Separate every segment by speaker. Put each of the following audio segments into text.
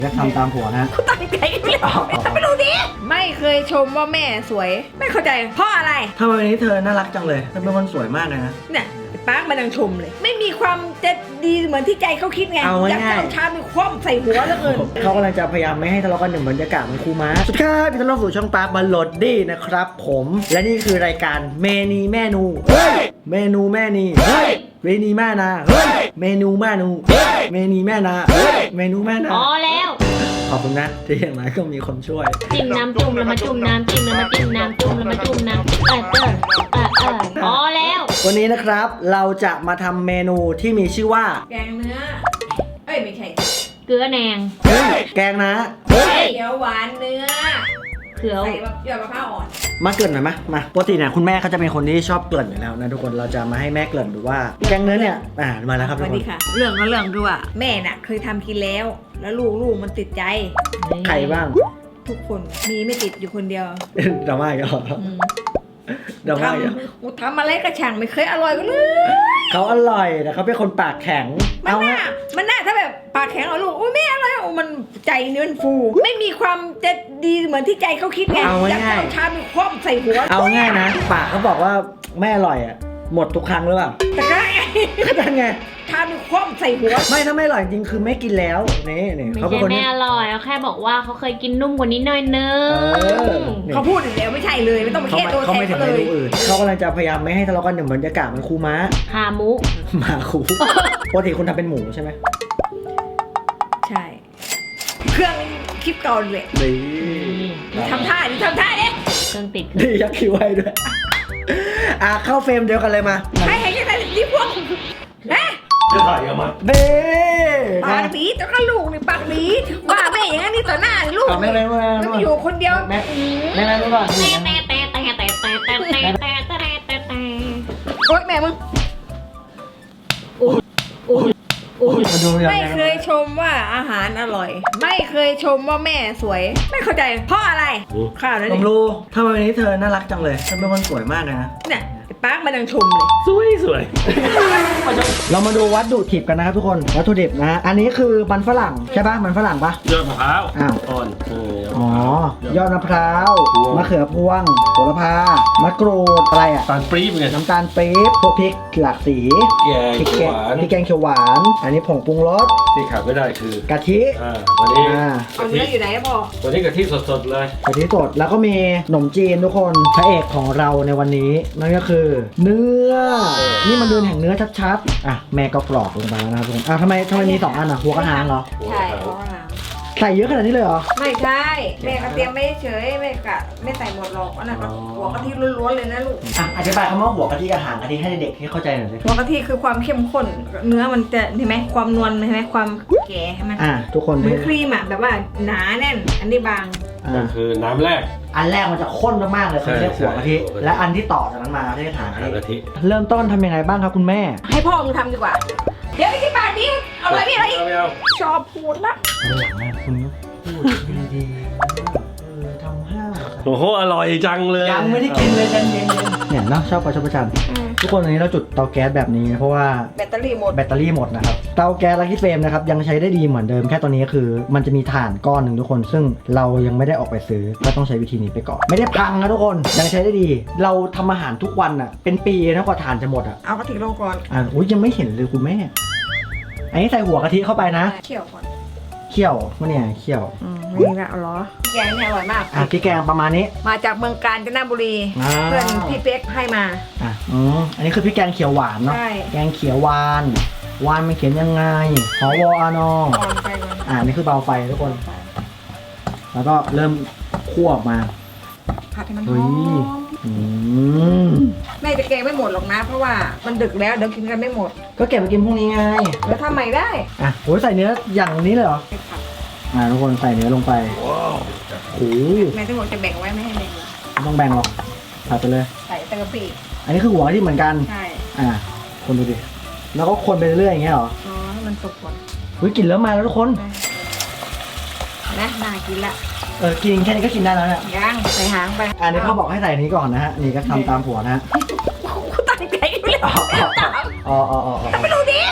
Speaker 1: จะทำตามผัวนะ
Speaker 2: กูตั้งใจไม่ไม่รู้ดิไม่เคยชมว่าแม่สวยไม่เข้าใจเพราะอะไร
Speaker 1: ทำไมวันนี้เธอน่ารักจังเลยเธอเป็นคนสวยมากเลยนะ
Speaker 2: เนี่ยป้ามันยังชมเลย ไม่มีความจะดีเหมือนที่ใจเขาคิดไง
Speaker 1: เอาง่ายๆ
Speaker 2: อยากจะเอาชาไปคว่ำใส่หัวแล้วเกิน
Speaker 1: เขากำลังจะพยายามไม่ให้ทะเลาะกันอย่างบรรยากาศเหมือนครูม้าสุดท้ายพี่ต้อนรับสู่ช่องปาร์คบัลโหลดดี้นะครับผมและนี่คือรายการเมนีแม่นูเฮ้ยเมนูแม่นีเฮ้ยเมนีแม่นาเฮ้ยเมนูแม่นูเฮ้ยเมนีแม่นาเฮ้ยเมนูแม่นา
Speaker 3: พอแล้ว
Speaker 1: ขอบคุณนะที่อย่างไรก็มีคนช่วย
Speaker 3: จิ้มน้ำจุ่มแล้วมาจุ่มน้ำจิ้มแล้วมาจิ้มน้ำจุ่มแล้วมาจุ่มน้ำพอแล้ว
Speaker 1: วันนี้นะครับเราจะมาทำเมนูที่มีชื่อว่า
Speaker 2: แกงเนื้อเอ้ยไม่ใช่
Speaker 3: เกลือแหนง
Speaker 1: เฮ้ยแกงนะ
Speaker 2: เฮ้ยเดี๋ยวหวานเนื้อ
Speaker 3: เขือ
Speaker 2: ใส่แบบหยอดมะพร้าวอ่อน
Speaker 1: มาเกริ่นหน่อยมาปกติเนี่ยคุณแม่เขาจะเป็นคนที่ชอบเกริ่นอยู่แล้วนะทุกคนเราจะมาให้แม่เกริ่นดูว่าแกงเนื้อเนี่ยมาแล้วครับ
Speaker 2: ส
Speaker 1: ทุก
Speaker 2: วัส
Speaker 1: คน
Speaker 2: ดีค่ะ เรื่องก็เรื่องด้วยแม่น่ะเคยทำกินแล้ว แล้วลูกมันติดใจ
Speaker 1: ใครบ้าง
Speaker 2: ทุกคนมีไม่ติดอยู่คนเดียว
Speaker 1: ดราม่าอีกแล้ว
Speaker 2: อืม
Speaker 1: ดราม่าอีกแล้ว
Speaker 2: ทำอะไรกระช่างไม่เคยอร่อยก็เลย
Speaker 1: เขาอร่อยแต่เขาเป็นคนปากแข็ง
Speaker 2: มันน่าถ้าแบบปากแข็งเอาลูกโอ้ยแม่อะไรโอ้มันใจเนื้อฟู ไม่มีความจะดีเหมือนที่ใจเขาคิดไงอยากจะเอาชาไปคว่ำใส่หัว
Speaker 1: เอาง่ายนะปากเขาบอกว่าแม่อร่อยอ่ะหมดทุกครั้งหรือเปล่า
Speaker 2: แต่ก็ไง
Speaker 1: ก็นั่นไง
Speaker 2: ชาไปคว่ำใส่หัว
Speaker 1: ไม่ถ้าไม่อร่อยจริงคือไม่กินแล้วนี่
Speaker 3: ไม่
Speaker 1: เขาเป็น
Speaker 3: ใช่
Speaker 1: คน
Speaker 3: แม่
Speaker 1: ที่
Speaker 3: อร่อยเขาแค่บอกว่าเขาเคยกินนุ่มกว่านี้หน่อยนึง
Speaker 1: นี่
Speaker 2: เขาพูดอีกแล้วไม่ใช่เลยไม่ต้องไป
Speaker 1: เขา
Speaker 2: แค่
Speaker 1: ไม่
Speaker 2: ตัว
Speaker 1: เขา
Speaker 2: แท
Speaker 1: ไม่
Speaker 2: น
Speaker 1: ถึง
Speaker 2: เขา
Speaker 1: เม
Speaker 2: เลย
Speaker 1: นูอื่นเขากำลังจะพยายามไม่ให้ทะเลาะกันอย่างบรรยากาศเหมือนครูม้า
Speaker 3: หามุ
Speaker 1: หมาครูปกติคุณทำเป็นหมูใช่ไหม
Speaker 2: ใช่ เครื่องคลิปก่อนเลย
Speaker 1: ดี
Speaker 2: ทำท่าดิทำท่าดิ
Speaker 3: เครื่องติด
Speaker 1: ดียักษ์คิ้วให้ด้วยเข้าเฟรมเดียวกันเลยมา
Speaker 2: ให้ยังไงที่พวกนะ
Speaker 4: จะถ่ายกันมา
Speaker 1: เด้
Speaker 2: ปากดีแต่ก็ลูกนี่ปากดีว่าแม่อย่างนี้ต่อหน้าลูก
Speaker 1: แม่แม่แม่
Speaker 2: แล้วมาอยู่คนเดียว
Speaker 1: แม่แม่รู้ป่ะ
Speaker 2: โอ๊ยแม่มึง
Speaker 1: มาดูยัง
Speaker 2: ไม่
Speaker 1: ไง
Speaker 2: เคยชมว่าอาหารอร่อย ไม่เคยชมว่าแม่สวย ไม่เข้าใจเพราะอะไรข้าวนั่น
Speaker 1: ผ
Speaker 2: เอ
Speaker 1: ม
Speaker 2: ง
Speaker 1: รู้ทำไมวันนี้เธอน่ารักจังเลยเธอเป็นคนสวยมากเลยนะ
Speaker 2: เนี่ยไอ้ปาร์คมันยังชมเลย
Speaker 4: สวย
Speaker 1: เรามาดูวัตถุดิบกันนะครับทุกคนวัตถุดิบนะอันนี้คือมันฝรั่งใช่ป่ะมันฝรั่งป่ะ
Speaker 4: ยอดมะพร้าว
Speaker 1: อ้าว
Speaker 4: อ่อน
Speaker 1: อ๋อยอดมะพร้าว
Speaker 4: พวง
Speaker 1: มะเขือพวงโหระพามะกรูดอะไรอ่ะ
Speaker 4: ตาลปรี๊บไง
Speaker 1: น้ำตาลปี๊บพวกพริกหลากสี
Speaker 4: แกง
Speaker 1: พริก
Speaker 4: เขี
Speaker 1: แก
Speaker 4: ยว
Speaker 1: ง
Speaker 4: หวาน
Speaker 1: พริกแกงเขียวหวาน อันนี้ผงปรุงรส
Speaker 4: ที่ขาดไม่ได้คือก
Speaker 1: ะทิ
Speaker 4: วันนี้
Speaker 2: เอาเนื้ออยู่ไหนอะพ่อ
Speaker 4: วันนี้กะทิสดๆเลย
Speaker 1: กะทิสดแล้วก็มีขนมจีนทุกคนพระเอกของเราในวันนี้นั่นก็คือ เนื้อนี่มันเดือนแห่งเนื้อชัดๆอ่ะแม่ก็กรอกลงไปแล้วนะครับทุกคนทำไมมี2อันอ่ะหัวกระหางเหรอ
Speaker 2: ใช่เพราะอะไร
Speaker 1: ใส่เยอะขนาดนี้เลยเหรอ
Speaker 2: ไม่ใช่แม่ก็เตรียมไม่เฉยไม่กะไม่ใส่หมดหรอกอันนั้นก็หัวกะทิล้วนๆเลยนะลูก
Speaker 1: อ่ะอธิบายคำว่าหัวกะทิกับหางกะทิให้เด็กที่เข้าใจหน่อยสิ
Speaker 2: หัวกะทิคือความเข้มข้นเนื้อมันจะเห็นไหมความนวลเห็นไหมความแก่ใช่ไหม
Speaker 1: ทุกคน
Speaker 2: เหมือนครีมอะแบบว่าหนาแน่น อันนี้บาง
Speaker 4: ก็คือน้ำแรก
Speaker 1: อันแรกมันจะข้นมากๆเลยเขาเรียกหัวกะทิ
Speaker 4: ใช่
Speaker 1: และอันที่ต่อจากนั้นมาเรียกหาง
Speaker 4: หาง
Speaker 1: กะ
Speaker 4: กะ
Speaker 1: ทิ
Speaker 4: ทิ
Speaker 1: เริ่มต้นทำยังไงบ้างครับคุณแม่
Speaker 2: ให้พ่อมึงทำดีกว่า เดี๋ยวไอ้ที่ปากนี้เอาอะไรพี่อะไรอีก
Speaker 4: ไม่เอา
Speaker 2: ชอบพูดละ
Speaker 1: หลังนะคุณพูดดีๆทำห้า
Speaker 4: โอ้โหอร่อยจังเลย
Speaker 1: ยังไม่ได้กินเลยใจเย็นๆเนี่ยเนาะชอบประชันทุกคนวันนี้เราจุดเตาแก๊สแบบนี้เพราะว่า
Speaker 2: แบตเตอรี่หมด
Speaker 1: แบตเตอรี่หมดนะครับเตาแก๊สลักกี้เฟรมนะครับยังใช้ได้ดีเหมือนเดิมแค่ตอนนี้คือ มันจะมีถ่านก้อนหนึ่งทุกคน ซึ่งเรายังไม่ได้ออกไปซื้อก็ต้องใช้วิธีนี้ไปก่อนไม่ได้พังนะทุกคนยังใช้ได้ดี เราทำอาหารทุกวันอ่ะเป็นปีนะกว่าถ่านจะหมดอ่ะ
Speaker 2: เอากะทิลงก่อน
Speaker 1: อุ้ยยังไม่เห็นเลยคุณแม่อันนี้ใส่หัวกะทิเข้าไปนะ
Speaker 2: เคี่ยวก่อน
Speaker 1: เคี่ยววะเนี่ยเคี่ยว
Speaker 2: นี่ละเอาเหรอแกงเนี่ยอร่อยมาก
Speaker 1: พริกแกงประมาณนี้
Speaker 2: มาจากเมืองกาญจนบุรี
Speaker 1: อ่า
Speaker 2: เพื่อนพี่เป๊กให้มา
Speaker 1: อันนี้คือพริกแกงเขียวหวานเนาะ
Speaker 2: ใช่
Speaker 1: แกงเขียวหวานหวานมันเขียนยังไงหอวอานอ
Speaker 2: ก่อนไปก่อน
Speaker 1: อันนี้คือเบาไฟทุกคน แล้วก็เริ่มคั่วออกมา
Speaker 2: ผัดให้มันห
Speaker 1: เฮ้
Speaker 2: อย ม
Speaker 1: อืม
Speaker 2: แม่จะแกงไม่หมดหรอกนะ เพราะว่ามันดึกแล้วเดี๋ยวกินกันไม่หมด
Speaker 1: ก็เก็บไปกินพรุ่งนี้ไง
Speaker 2: แล้วทำใหม่ได้
Speaker 1: โอ้ยใส่เนื้ออย่างนี้เลยเหรอ
Speaker 2: ไปผัด
Speaker 1: ทุกคนใส่เนื้อลงไป
Speaker 4: ว้าว
Speaker 1: โอ้ย
Speaker 2: แม่ทั้งหมดจะแบ่งไว้ไม่ให้แบ่ง
Speaker 1: ไม่ต้องแบ่งหรอกผัดไปเลย
Speaker 2: ใส่ตะกะปิ
Speaker 1: อันนี้คือหัวที่เหมือนกัน
Speaker 2: ใช่
Speaker 1: คนดูดิ แล้วก็คนไปเรื่อยๆอย่างเงี้ยเหรอ
Speaker 2: อ๋อให้มันสุกก่อน
Speaker 1: เฮ้ยกลิ่นเริ่มมาแล้วทุกคน
Speaker 2: นะน่ากินละ
Speaker 1: กินแค่นี้ก็กินได้แล้วเนี่ย
Speaker 2: ย่างใส่หางไป
Speaker 1: อันนี้เขาบอกให้ใส่อันนี้ก่อนนะฮะ นี่ก็ทำตามผัวนะฮะ
Speaker 2: กูตั้งใจไม่เลย
Speaker 1: อ๋อ
Speaker 2: ไม่รู้ดิ
Speaker 1: อ๋อ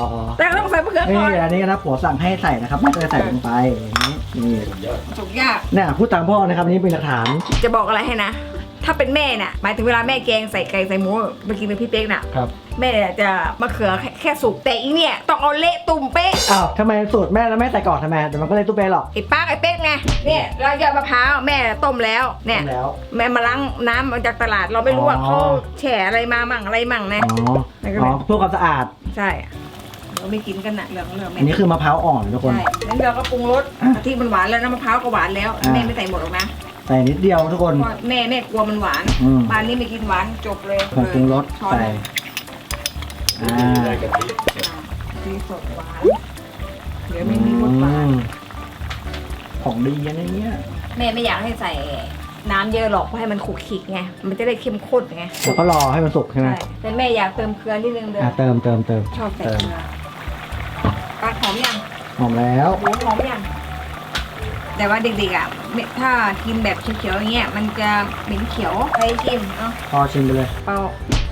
Speaker 2: แต่ก็ต้องใส่มะเขือ
Speaker 1: นี่
Speaker 2: ก่อน
Speaker 1: อันนี้นะผัวสั่งให้ใส่นะครับแม่ก็จะใส่ลงไปอย่างนี้นี่
Speaker 2: สุกยาก
Speaker 1: เนี่ยพูดตามพ่อนะครับนี่เป็นหลักฐาน
Speaker 2: จะบอกอะไรให้นะ ถ้าเป็นแม่น่ะหมายถึงเวลาแม่แกงใส่ไก่ใส่หมูไปกินกับพี่เป๊กน่ะ
Speaker 1: ครับ
Speaker 2: แม่จะมะเขือแค่สุกแต่อีเนี่ยต้องเอาเละตุ่มเป๊ะ
Speaker 1: อ้าวทำไมสูตรแม่แล้วแม่ใส่ก่อนทำไมเดี๋ยวมันก็เลยตุ้เป้หรอก
Speaker 2: ไอ้ป้าไอ้เป๊กไงเนี่ยเรายอดมะพร้าวแม่ต้มแล้วเนี่ย
Speaker 1: ต้มแล้ว
Speaker 2: แม่มาล้างน้ำมาจากตลาดเราไม่รู้ว่า
Speaker 1: อ๋อ
Speaker 2: เขาแฉอะไรมามั่งอะไรมั่งนะ
Speaker 1: อ๋อเพื่อความสะอาด
Speaker 2: ใช่เราไม่กินกันนะเหลืองแม่
Speaker 1: อันนี้คือมะพร้าวอ่อนทุกคน
Speaker 2: ใช่แล้วเราก็ปรุงรสกะทิมันหวานแล้วน้ำมะพร้าวก็หวานแล้ว
Speaker 1: อ่ะ
Speaker 2: แม่ไม่ใส่หมดหรอกนะ
Speaker 1: ใส่นิดเดียวทุกคน
Speaker 2: เพราะแม่กลัวมันหวาน
Speaker 1: อืม
Speaker 2: บ้านนี้ไม่กินหวานจบเลย
Speaker 1: ผงปรุงรส
Speaker 2: ช้อน
Speaker 1: ใส่อ่า
Speaker 4: ได้กะทิ
Speaker 2: ดีสดหวานเดี๋ยวไม่มีรสหวาน
Speaker 1: ของดีนะเนี่ย
Speaker 2: แม่ไม่อยากให้ใส่น้ำเยอะหรอกเพราะให้มันขลุกขลิกไงมันจะได้เข้มข้นไง
Speaker 1: แล้วก็รอให้มันสุกใช่ไหม
Speaker 2: ใช่แต่แม่อยากเติมเกลือนิดนึงเลย
Speaker 1: เติม
Speaker 2: ชอบใส่เกลือปลาหอมยัง
Speaker 1: หอมแล้ว
Speaker 2: หมูหอมยังแต่ว่าเด็กๆอ่ะถ้ากินแบบเขียวๆอย่างเงี้ยมันจะเหม็นเขียวใครชิมเนาะ
Speaker 1: พอชิมไปเลย
Speaker 2: เปล่า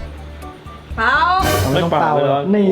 Speaker 1: เราไม่ต้องเป่า
Speaker 4: เลย
Speaker 1: นี่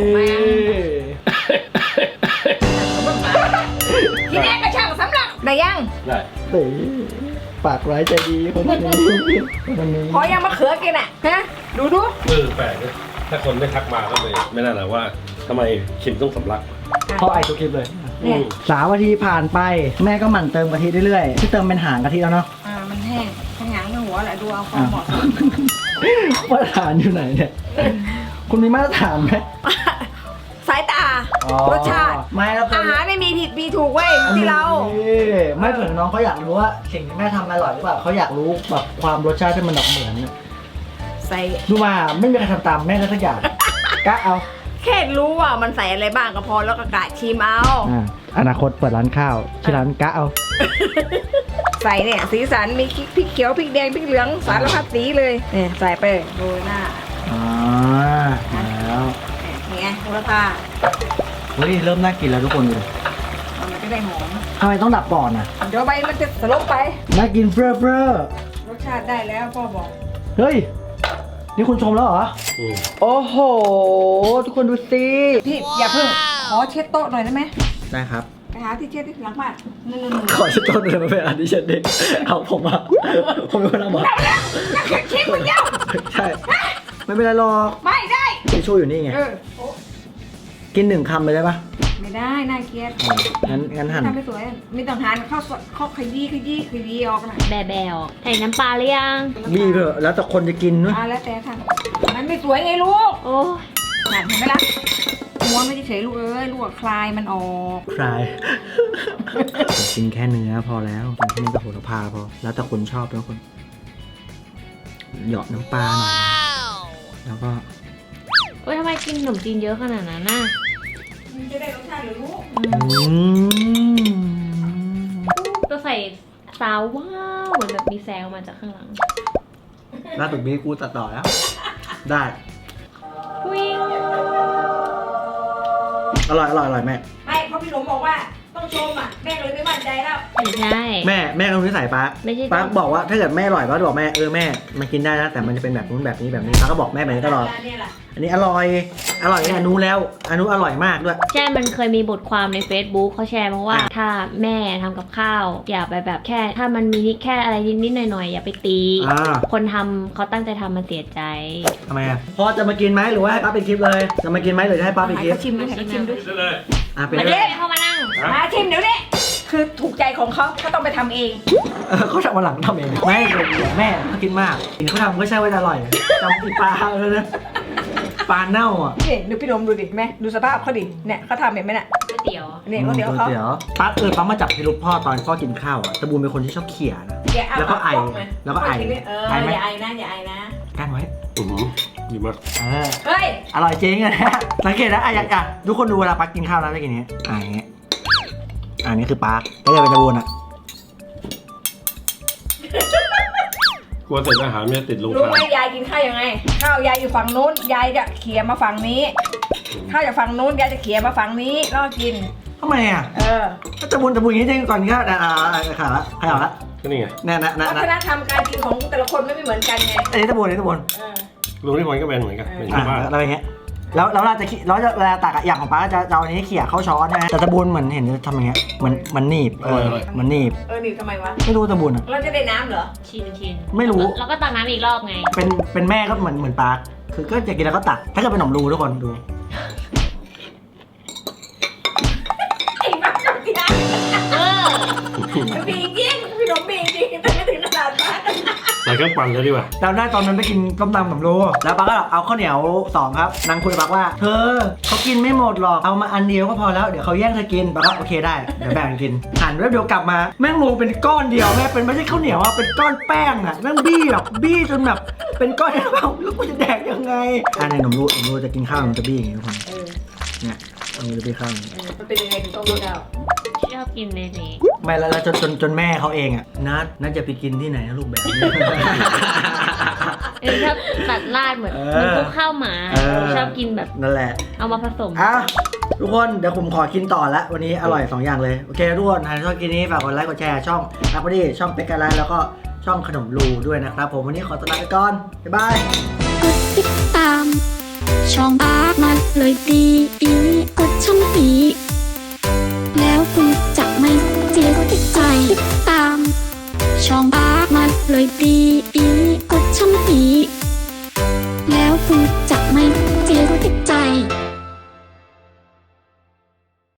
Speaker 2: ทีแรกก็ช่างสำหรับได้ยัง
Speaker 4: ได้
Speaker 1: ตีปากร้ายใจดีคนนี้คนนี้
Speaker 2: พอยังมะเขือกินอ่ะฮะดู
Speaker 4: แปลกนะถ้าคนไม่ทักมาก็เลยไม่น่าหละว่าทำไมคิมต้องสำลัก
Speaker 1: พ่อไอทุกคลิปเลย
Speaker 2: เนี่ย
Speaker 1: 3 นาทีผ่านไปแม่ก็หมั่นเติมกะทิเรื่อยๆที่เติมเป็นหางกะทิแล้วเนาะ
Speaker 2: มันแห้งทั้งหางทั้งหัวแหละดูเอาความเหมาะสม
Speaker 1: มาตรฐานอยู่ไหนเนี่ยคุณมีมาตรฐานไหม
Speaker 2: สายตา
Speaker 1: อ๋อ
Speaker 2: รสชาติ
Speaker 1: ไม่แล้ว
Speaker 2: อาหารไม่มีผิดมีถูกเว้ยที่เรา
Speaker 1: ไม่เผื่อน้องเขาอยากรู้ว่าสิ่งที่แม่ทำอร่อยหรือเปล่าเขาอยากรู้แบบความรสชาติที่มันแบบเหมือนน่ะ
Speaker 2: ใส่
Speaker 1: ดูมาไม่มีใครทำตามแม่ได้สักอย่างกะเอา
Speaker 2: แค่รู้ว่ามันใส่อะไรบ้างก็พอแล้วก็กะชิมเอา
Speaker 1: อนาคตเปิดร้านข้าวที่ร้านกะเอา
Speaker 2: ใส่เนี่ยสีสันมีพริกเขียวพริกแดงพริกเหลืองสารพัดสีเลยเนี่ยใส่ไปโรยหน้า
Speaker 1: อ๋อแล้ว
Speaker 2: เนี่ยโหระพา
Speaker 1: เฮ้ยเริ่มน่ากินแล้วทุกคนดู
Speaker 2: มันจะได้หอม
Speaker 1: ทำไมต้องดับก่อนอ่ะ
Speaker 2: เดี๋ยวใบมันจะสลบไป
Speaker 1: น่ากินเฟ้อเฟ้อ
Speaker 2: รสชาติได้แล้วพ่อบอก
Speaker 1: เฮ้ยนี่คุณชมแล้วเหรอ
Speaker 4: อืม
Speaker 1: โอ้โหทุกคนดูสิ
Speaker 2: พี่อย่าเพิ่งขอเช็ดโต๊ะหน่อยได้ไหม
Speaker 1: ได้ครับ
Speaker 2: ไปหาที่เช็ดที่หลังบ้านนู่น
Speaker 1: ขอชิดต้นเลยมาเป็นอันที่ฉันเด็กเอาผมมาผมเป็นคนทำหมด
Speaker 2: ๆแล้วชิมมันเดียว
Speaker 1: ใช่ไม่เป็นไรหรอก
Speaker 2: ไม่ได้
Speaker 1: ทิชชู่อยู่นี่ไง
Speaker 2: โอ้
Speaker 1: กิน1 คำเลยได้ปะ
Speaker 2: ไม่ได้น่าเกลียด
Speaker 1: งั้นหั่น
Speaker 2: ทำไม่สวยไม่ต้องทานข้าวสดข้าวขยี้ออกนะ
Speaker 3: แบวใส่น้ำปลาหรือยัง
Speaker 1: บีบเถอะแล้วแต่คนจะกินนะ
Speaker 2: แล้วแต่ทำมันไม่สวยไงลูก
Speaker 3: โอ้ย
Speaker 2: หันเห็นไหมล่ะม้วนไม่เฉยๆลูกเอ้ยลูกอะคลายมันออก
Speaker 1: คลายกินแค่เนื้อพอแล้วกินแค่เนื้อกับโหระพาพอแล้วแต่คนชอบแล้วคนเหยาะน้ำปลาหน่อยแล้วก็
Speaker 3: โอ้ยทำไมกินขนมจีนเยอะขนาดนั้นน่ะ
Speaker 2: มันจะได้รสชาติหรือลูก
Speaker 3: ก็ใส่ซาวว้าวเหมือนแบบมีแซงออกมาจากข้างหลัง
Speaker 1: ล่าสุดมีกูตัดต่อแล้ว ได้
Speaker 3: วิ่ง
Speaker 1: อร่อยแม่
Speaker 2: ไม่เพราะพี่หลงบอกว่าต้องชมอ่ะแม่เลยไม่มั่นใจแล้ว
Speaker 3: ไม่ใช่
Speaker 1: แม่ก็รู้นิสัยป้า
Speaker 3: ไม่ใช่
Speaker 1: ป้าบอกว่าถ้าเกิดแม่อร่อยป้าจะบอกแม่แม่มันกินได้นะแต่มันจะเป็นแบบนู้นแบบนี้แบบนี้ป้าก็บอกแม่แบบนี้ตลอด
Speaker 2: เนี่ยแหละ
Speaker 1: อันนี้อร่อยเนี่ยอนุแล้วอนุอร่อยมากด้วย
Speaker 3: ใช่ มันเคยมีบทความใน Facebook เขาแชร์มาว่า ถ้าแม่ทำกับข้าว อย่าไปแบบแค่ ถ้ามันมีนิดแค่อะไรนิดๆหน่อยๆอย่าไปตี คนทำเขาตั้งใจทำมันเสียใจ
Speaker 1: ทำไมอ่ะพ่อจะมากินไหมหรือว่าให้ป้าเป็นคลิปเลยจะมากินไหมหรือจะให้ป้าเป็นคลิป
Speaker 2: ชิมด้วยชิมด้วย
Speaker 4: ได้เลย
Speaker 1: เป็น
Speaker 3: มา
Speaker 1: เล
Speaker 3: เด้
Speaker 1: ย
Speaker 3: เข้ามานั่ง
Speaker 2: มาชิมเดี๋ยวนี้คือถูกใจของเขาก็ต้องไปทำเอง
Speaker 1: เขาทำมาหลังทำเองไม่แม่เขากินมากเขาทำก็ใช่ว่าจะอร่อยจำปีปลาเลยนะปลาเน่าอ่ะ
Speaker 2: นี่ดูพี่หลงดูดิแม่ดูสภาพเขาดิเนี่ยเขาทำเห็นไหมน่ะ
Speaker 3: ก๋วยเตี๋ยว
Speaker 2: เนี่ยเขาเดี๋ยวเขา
Speaker 1: ป้าป้ามาจับพิรุธพ่อตอนพ่อกินข้าวอ่ะตะบูนเป็นคนที่ชอบเขี่ยนะ แล้วก็ไอแล้วก็ไอ
Speaker 2: ไอไหมอย่าไอนะอย่าไอนะ
Speaker 1: กั้นไว้
Speaker 4: อืมดีมาก
Speaker 2: เฮ้ย
Speaker 1: อร่อยจริงอะนะสังเกตนะอยากทุกคนดูเวลาป้ากินข้าวนะจะกินอย่างนี้อย่างเงี้ยอันนี้คือป้าแล้วจะเป็นตะบูนอ่ะ
Speaker 4: กลัวเสร็จอาหารไม่ติดลง
Speaker 2: รู้
Speaker 4: คา
Speaker 2: ไหมยายกินข้าวยังไงข้าวยายอยู่ฝั่งนู้นยายจะเขี่ยมาฝั่งนี้ข้าวจากฝั่งนู้นยายจะเขี่ยมาฝั่งนี้แล้วก็กิน
Speaker 1: ทำไมอ่ะ
Speaker 2: ก็
Speaker 1: ตะบูนอย่างนี้จริงก่อนกินข้าวขาละขยับละ
Speaker 4: ก็นี่ไง
Speaker 2: วัฒนธรรมการกินของแต่ละคนไม่เหมือนกันไง
Speaker 1: อันนี้ตะบูน
Speaker 2: เออ
Speaker 4: ลุงที่คนก็เป็นเหมือนกันเป็นชาวบ้าน
Speaker 1: อะไรอย่างเงี้ยแล้วเวลาตักอะอย่างของป้าจะเอาอันนี้เขี่ยเข้าช้อนใช่ไหมแต่ตะบูนเหมือนเห็นจะทำอย่างเงี้ยมันหนีบมันหนีบ
Speaker 2: หนีบทำไมวะ
Speaker 1: ไม่รู้ตะบูนอะ
Speaker 2: เราจะได้น้ำเหรอ
Speaker 3: ชิน
Speaker 1: ไม่รู้
Speaker 3: แล้วก็ตักน้ำอีกรอบไง
Speaker 1: เป็นแม่ก็เหมือนป้าคือก็จะกินแล้วก็ตักถ้าเกิดเป็นขนมรูทุกคนดู
Speaker 2: ไอ้บ้าจังที่ได้
Speaker 3: เออ
Speaker 2: บีจริงพี่หนมบีจริงแต่ไม่ถึงขนาดนั้น
Speaker 4: ใส่เครื่องปั่นเลยดีกว่า
Speaker 1: เราได้ตอนนั้นไปกินต้มตำขนมรูแล้วป้าก็เอาข้าวเหนียว2ครับนางคุยกับป้าว่าเธอเขากินไม่หมดหรอกเอามาอันเดียวก็พอแล้วเดี๋ยวเขาแย่งเธอกินป้าก็โอเคได้เดี๋ยวแบ่งกันกินหันแป๊บเดียวกลับมาแม่งรวมเป็นก้อนเดียวแม่เป็นไม่ใช่ข้าวเหนียวอะเป็นก้อนแป้งอะแม่งบี้จนแบบเป็นก้อนเดียวแล้วกูจะแดกยังไงในขนมรูจะกินข้าวมันจะบี้อย่างนี้ทุกคนเนี่ยมันจะบี้ข้าว
Speaker 2: มันเป็นยังไงถึงต้องรู้เดา
Speaker 3: ชอบกินเลยนี่
Speaker 1: ไม่แล้วจนแม่เขาเองอ่ะนัดจะไปกินที่ไหนนะลูกแบบนี้
Speaker 3: ชอบตัดราดเหมือนพวกข้าวหมาชอบกินแบบ
Speaker 1: นั่นแหละ
Speaker 3: เอามาผสม
Speaker 1: ทุกคนเดี๋ยวผมขอกินต่อละวันนี้อร่อย2อย่างเลยโอเคทุกคนใครชอบกินนี้ฝากกดไลค์กดแชร์ช่องนักพอดีช่องเป็กกะไลแล้วก็ช่องขนมรูด้วยนะครับผมวันนี้ขอตัวลาไปก่อนบ๊ายบาย
Speaker 5: กดติดตาม ช่องปากมันเลยดีกดช่องปีแล้วคุณจะไม่เสียใจติดตาม ช่องปากมันเลยดีกดช่อง